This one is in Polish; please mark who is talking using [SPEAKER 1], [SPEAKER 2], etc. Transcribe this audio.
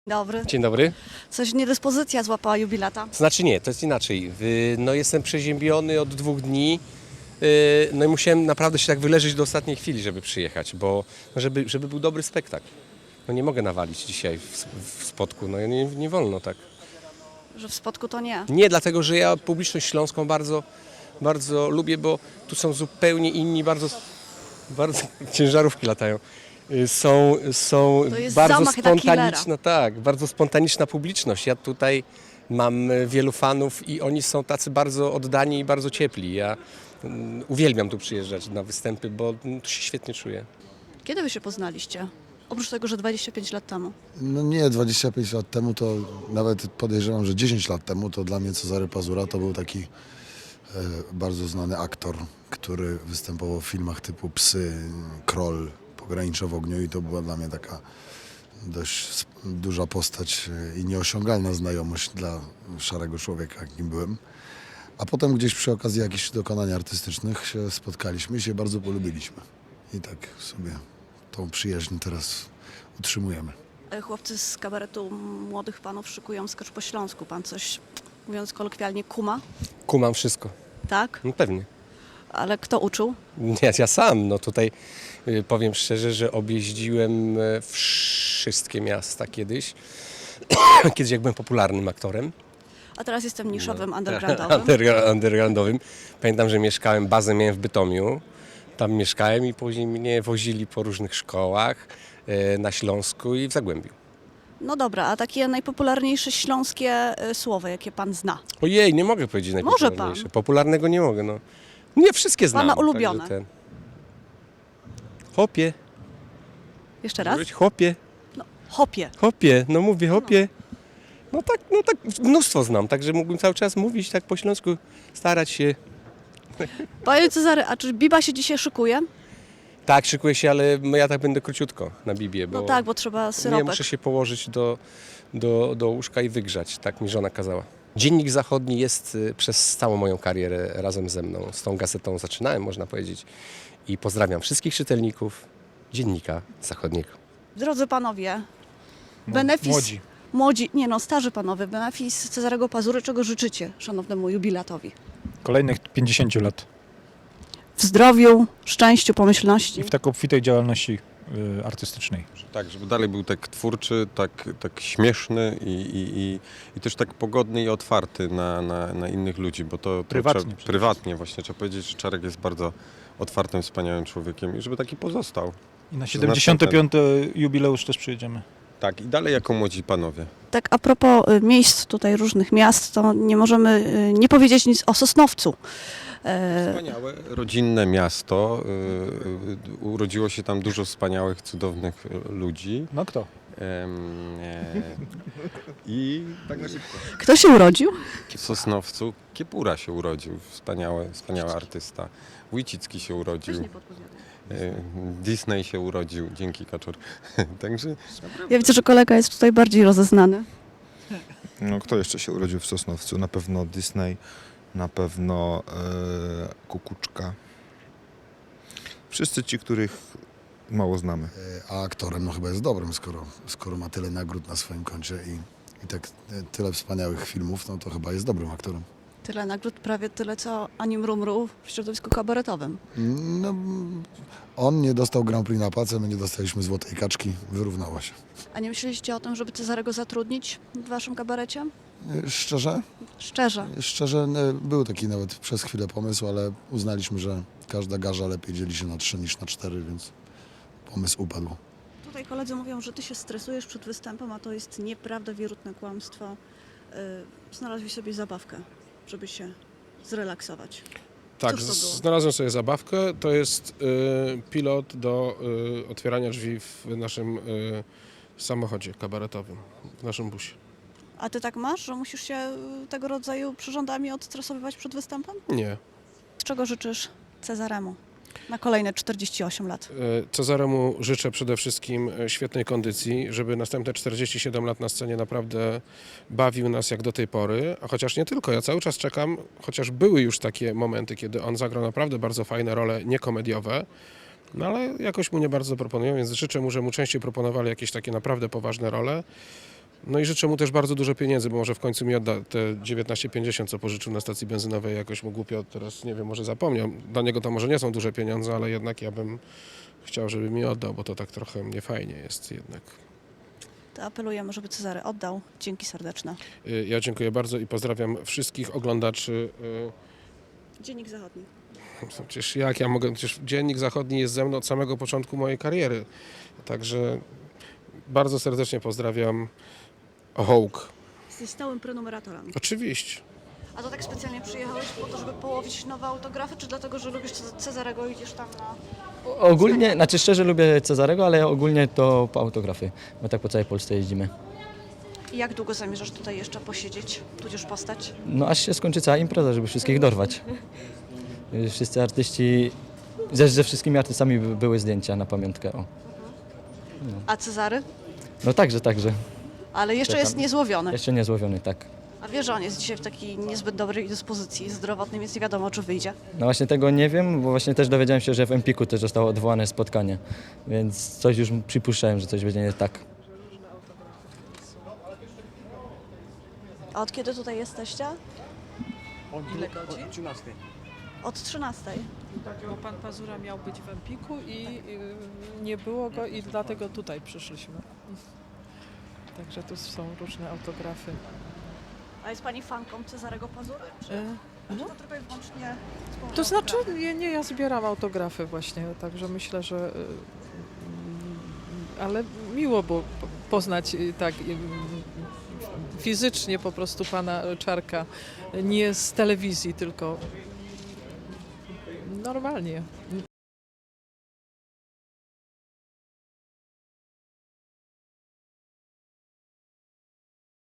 [SPEAKER 1] Dobry.
[SPEAKER 2] Dzień dobry.
[SPEAKER 1] Coś niedyspozycja złapała jubilata.
[SPEAKER 2] Znaczy nie, to jest inaczej. No jestem przeziębiony od 2 dni. No i musiałem naprawdę się tak wyleżeć do ostatniej chwili, żeby przyjechać, bo żeby był dobry spektakl. No nie mogę nawalić dzisiaj w Spodku, no nie wolno tak.
[SPEAKER 1] Że w Spodku to nie.
[SPEAKER 2] Nie, dlatego że ja publiczność śląską bardzo lubię, bo tu są zupełnie inni, bardzo ciężarówki latają. Są
[SPEAKER 1] To jest
[SPEAKER 2] bardzo
[SPEAKER 1] zamach na
[SPEAKER 2] spontaniczna, tak, bardzo spontaniczna publiczność. Ja tutaj mam wielu fanów i oni są tacy bardzo oddani i bardzo ciepli. Ja uwielbiam tu przyjeżdżać na występy, bo tu się świetnie czuję.
[SPEAKER 1] Kiedy wy się poznaliście? Oprócz tego, że 25 lat temu.
[SPEAKER 3] No nie, 25 lat temu to nawet podejrzewam, że 10 lat temu to dla mnie Cezary Pazura to był taki bardzo znany aktor, który występował w filmach typu Psy, Kroll, Pogranicze w ogniu i to była dla mnie taka dość duża postać i nieosiągalna znajomość dla szarego człowieka, jakim byłem. A potem gdzieś przy okazji jakichś dokonań artystycznych się spotkaliśmy i się bardzo polubiliśmy. I tak sobie tą przyjaźń teraz utrzymujemy.
[SPEAKER 1] Chłopcy z kabaretu młodych panów szykują skacz po śląsku. Pan coś, mówiąc kolokwialnie, kuma,
[SPEAKER 2] Kumam wszystko.
[SPEAKER 1] tak?
[SPEAKER 2] No pewnie.
[SPEAKER 1] Ale kto uczył?
[SPEAKER 2] Ja sam, no tutaj powiem szczerze, że objeździłem wszystkie miasta kiedyś. Kiedyś jak byłem popularnym aktorem.
[SPEAKER 1] A teraz jestem niszowym,
[SPEAKER 2] No.
[SPEAKER 1] undergroundowym.
[SPEAKER 2] Undergroundowym. Pamiętam, że bazę miałem w Bytomiu. Tam mieszkałem i później mnie wozili po różnych szkołach na Śląsku i w Zagłębiu.
[SPEAKER 1] No dobra, a takie najpopularniejsze śląskie słowo, jakie pan zna?
[SPEAKER 2] Ojej, nie mogę powiedzieć
[SPEAKER 1] Może
[SPEAKER 2] najpopularniejsze.
[SPEAKER 1] pan.
[SPEAKER 2] Popularnego nie mogę, no. Nie, wszystkie znam.
[SPEAKER 1] Pana ulubione.
[SPEAKER 2] także Chłopie.
[SPEAKER 1] Jeszcze raz?
[SPEAKER 2] Mówić chłopie.
[SPEAKER 1] No, hopie.
[SPEAKER 2] Hopie, no mówię hopie. No tak, mnóstwo znam, także mógłbym cały czas mówić tak po śląsku, starać się.
[SPEAKER 1] Panie Cezary, a czy Biba się dzisiaj szykuje?
[SPEAKER 2] Tak, szykuję się, ale ja tak będę króciutko na Bibie, bo
[SPEAKER 1] No tak, bo trzeba
[SPEAKER 2] nie
[SPEAKER 1] syropek.
[SPEAKER 2] muszę się położyć do łóżka i wygrzać, tak mi żona kazała. Dziennik Zachodni jest przez całą moją karierę razem ze mną. Z tą gazetą zaczynałem, można powiedzieć. I pozdrawiam wszystkich czytelników Dziennika Zachodniego.
[SPEAKER 1] Drodzy panowie, benefis...
[SPEAKER 4] Młodzi.
[SPEAKER 1] Młodzi, nie no, starzy panowie, benefis Cezarego Pazury, czego życzycie szanownemu jubilatowi?
[SPEAKER 4] Kolejnych 50 lat.
[SPEAKER 1] W zdrowiu, szczęściu, pomyślności.
[SPEAKER 4] I w tak obfitej działalności artystycznej.
[SPEAKER 5] Tak, żeby dalej był tak twórczy, tak śmieszny i też tak pogodny i otwarty na innych ludzi, bo to
[SPEAKER 4] Prywatnie
[SPEAKER 5] trzeba,
[SPEAKER 4] przede
[SPEAKER 5] prywatnie właśnie trzeba powiedzieć, że Czarek jest bardzo otwartym, wspaniałym człowiekiem i żeby taki pozostał.
[SPEAKER 4] I na
[SPEAKER 5] To
[SPEAKER 4] 75. jubileusz też przyjedziemy.
[SPEAKER 5] Tak, i dalej jako młodzi panowie.
[SPEAKER 1] Tak a propos miejsc tutaj różnych miast, to nie możemy nie powiedzieć nic o Sosnowcu.
[SPEAKER 5] Wspaniałe, rodzinne miasto. Urodziło się tam dużo wspaniałych, cudownych ludzi.
[SPEAKER 4] No kto?
[SPEAKER 5] I tak na szybko.
[SPEAKER 1] Kto się urodził?
[SPEAKER 5] W Sosnowcu Kiepura się urodził, wspaniały artysta. Wójcicki się urodził. Disney się urodził, dzięki Kaczor. Także
[SPEAKER 1] Ja widzę, że kolega jest tutaj bardziej rozeznany.
[SPEAKER 6] No, kto jeszcze się urodził w Sosnowcu? Na pewno Disney, na pewno Kukuczka. Wszyscy ci, których mało znamy.
[SPEAKER 3] A aktorem no chyba jest dobrym, skoro ma tyle nagród na swoim koncie i tak tyle wspaniałych filmów, no to chyba jest dobrym aktorem.
[SPEAKER 1] Tyle nagród, prawie tyle co Ani Mrumru w środowisku kabaretowym.
[SPEAKER 3] No, on nie dostał Grand Prix na pacę, my nie dostaliśmy Złotej Kaczki, wyrównało się.
[SPEAKER 1] A nie myśleliście o tym, żeby Cezarego zatrudnić w waszym kabarecie?
[SPEAKER 3] Szczerze?
[SPEAKER 1] Szczerze.
[SPEAKER 3] Szczerze był taki nawet przez chwilę pomysł, ale uznaliśmy, że każda garza lepiej dzieli się na 3 niż na 4, więc pomysł upadł.
[SPEAKER 1] Tutaj koledzy mówią, że ty się stresujesz przed występem, a to jest nieprawda, wierutne kłamstwo. Znalazłeś sobie zabawkę, żeby się zrelaksować.
[SPEAKER 7] Tak,
[SPEAKER 1] Cóż to było?
[SPEAKER 7] znalazłem sobie zabawkę. To jest pilot do otwierania drzwi w naszym samochodzie kabaretowym, w naszym busie.
[SPEAKER 1] A ty tak masz, że musisz się tego rodzaju przyrządami odstresowywać przed występem?
[SPEAKER 7] Nie.
[SPEAKER 1] Czego życzysz Cezaremu na kolejne 48 lat?
[SPEAKER 7] Cezaremu życzę przede wszystkim świetnej kondycji, żeby następne 47 lat na scenie naprawdę bawił nas jak do tej pory, a chociaż nie tylko, ja cały czas czekam, chociaż były już takie momenty, kiedy on zagrał naprawdę bardzo fajne role niekomediowe, no ale jakoś mu nie bardzo proponują, więc życzę mu, że mu częściej proponowali jakieś takie naprawdę poważne role. No i życzę mu też bardzo dużo pieniędzy, bo może w końcu mi odda te 19,50, co pożyczył na stacji benzynowej. Jakoś mu głupio teraz, nie wiem, może zapomniał. Dla niego to może nie są duże pieniądze, ale jednak ja bym chciał, żeby mi oddał, bo to tak trochę niefajnie jest jednak.
[SPEAKER 1] To apelujemy, żeby Cezary oddał. Dzięki serdeczne.
[SPEAKER 7] Ja dziękuję bardzo i pozdrawiam wszystkich oglądaczy.
[SPEAKER 1] Dziennik Zachodni.
[SPEAKER 7] Przecież jak ja mogę, przecież Dziennik Zachodni jest ze mną od samego początku mojej kariery. Także bardzo serdecznie pozdrawiam Hołk.
[SPEAKER 1] Jesteś stałym prenumeratorem.
[SPEAKER 7] Oczywiście.
[SPEAKER 1] A to tak specjalnie przyjechałeś po to, żeby połowić nowe autografy, czy dlatego, że lubisz Cezarego i idziesz tam na...
[SPEAKER 8] Ogólnie, znaczy szczerze lubię Cezarego, ale ogólnie to po autografy, bo tak po całej Polsce jeździmy.
[SPEAKER 1] I jak długo zamierzasz tutaj jeszcze posiedzieć, tudzież postać?
[SPEAKER 8] No aż się skończy cała impreza, żeby wszystkich dorwać. Wszyscy artyści, ze wszystkimi artystami były zdjęcia na pamiątkę. O.
[SPEAKER 1] A Cezary?
[SPEAKER 8] No także.
[SPEAKER 1] Ale jeszcze
[SPEAKER 8] Czekam.
[SPEAKER 1] jest niezłowiony.
[SPEAKER 8] Jeszcze niezłowiony, tak.
[SPEAKER 1] A wiesz, że on jest dzisiaj w takiej niezbyt dobrej dyspozycji zdrowotnej, więc nie wiadomo, czy wyjdzie.
[SPEAKER 8] No właśnie tego nie wiem, bo właśnie też dowiedziałem się, że w Empiku też zostało odwołane spotkanie, więc coś już przypuszczałem, że coś będzie nie tak.
[SPEAKER 1] A od kiedy tutaj jesteście?
[SPEAKER 9] Ile godzin?
[SPEAKER 1] Od 13.
[SPEAKER 9] Bo pan Pazura miał być w Empiku i nie było go i dlatego tutaj przyszliśmy. Także tu są różne autografy.
[SPEAKER 1] A jest pani fanką Cezarego Pazury? Czy
[SPEAKER 9] No,
[SPEAKER 1] to tylko i wyłącznie...
[SPEAKER 9] to znaczy, nie, ja zbieram autografy właśnie, także myślę, że... Ale miło było poznać tak fizycznie po prostu pana Czarka, nie z telewizji, tylko normalnie.